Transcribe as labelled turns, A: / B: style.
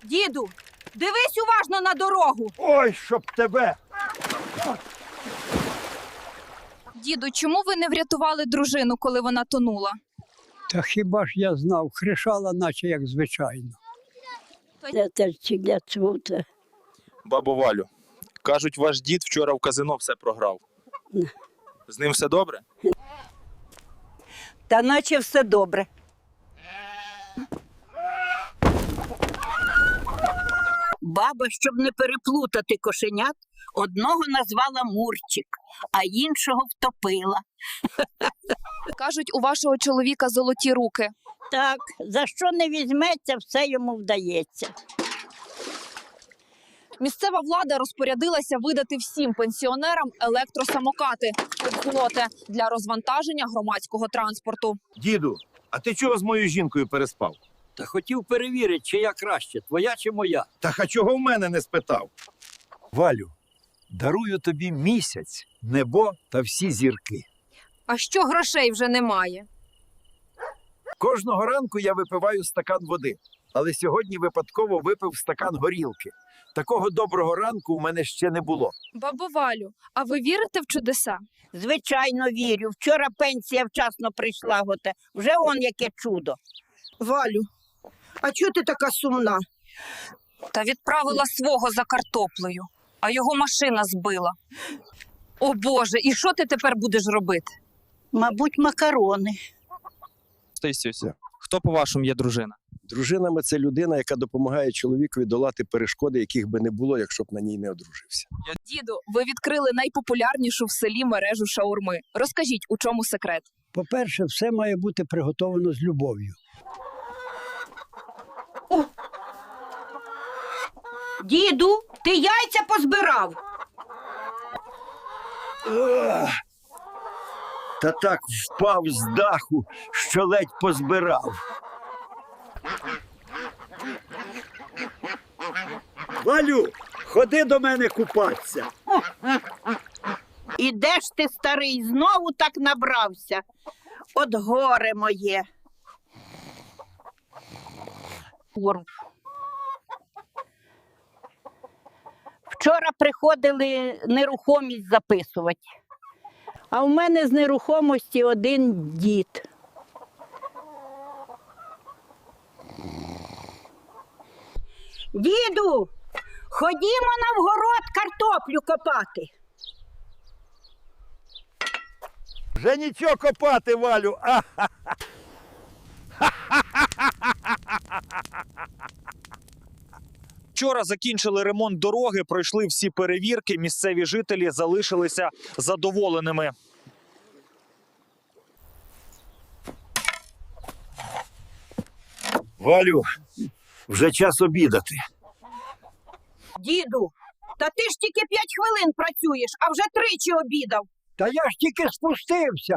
A: Діду, дивись уважно на дорогу.
B: Ой, щоб тебе!
A: Діду, чому ви не врятували дружину, коли вона тонула?
C: Та хіба ж я знав, кришала, наче як звичайно.
D: Бабо Валю, кажуть, ваш дід вчора в казино все програв. З ним все добре?
E: Та наче все добре. Баба, щоб не переплутати кошенят, одного назвала Мурчик, а іншого втопила.
A: Кажуть, у вашого чоловіка золоті руки.
F: Так, за що не візьметься, все йому вдається.
A: Місцева влада розпорядилася видати всім пенсіонерам електросамокати для розвантаження громадського транспорту.
B: Діду, а ти чого з моєю жінкою переспав?
C: Та хотів перевірити, чия краще, твоя чи моя.
B: А чого в мене не спитав? Валю, дарую тобі місяць, небо та всі зірки.
A: А що грошей вже немає?
B: Кожного ранку я випиваю стакан води, але сьогодні випадково випив стакан горілки. Такого доброго ранку у мене ще не було.
A: Бабо Валю, а ви вірите в чудеса?
F: Звичайно, вірю. Вчора пенсія вчасно прийшла, вже он яке чудо.
E: Валю, а чого ти така сумна?
A: Та відправила свого за картоплею, а його машина збила. О Боже, і що ти тепер будеш робити?
F: Мабуть, макарони.
D: Хто, по-вашому, є дружина?
G: Дружина – це людина, яка допомагає чоловікові долати перешкоди, яких би не було, якщо б на ній не одружився.
A: Діду, ви відкрили найпопулярнішу в селі мережу шаурми. Розкажіть, у чому секрет?
C: По-перше, все має бути приготовано з любов'ю.
E: Діду, ти яйця позбирав?
B: Та так впав з даху, що ледь позбирав. Валю, ходи до мене купатися.
F: І де ж ти, старий, знову так набрався? От горе моє. Вчора приходили нерухомість записувати. А в мене з нерухомості один дід.
E: Діду, ходімо на вгород картоплю копати.
B: Вже нічого копати, Валю.
D: Вчора закінчили ремонт дороги, пройшли всі перевірки, місцеві жителі залишилися задоволеними.
B: Валю, вже час обідати.
E: Діду, та ти ж тільки 5 хвилин працюєш, а вже 3 обідав.
C: Та я ж тільки спустився.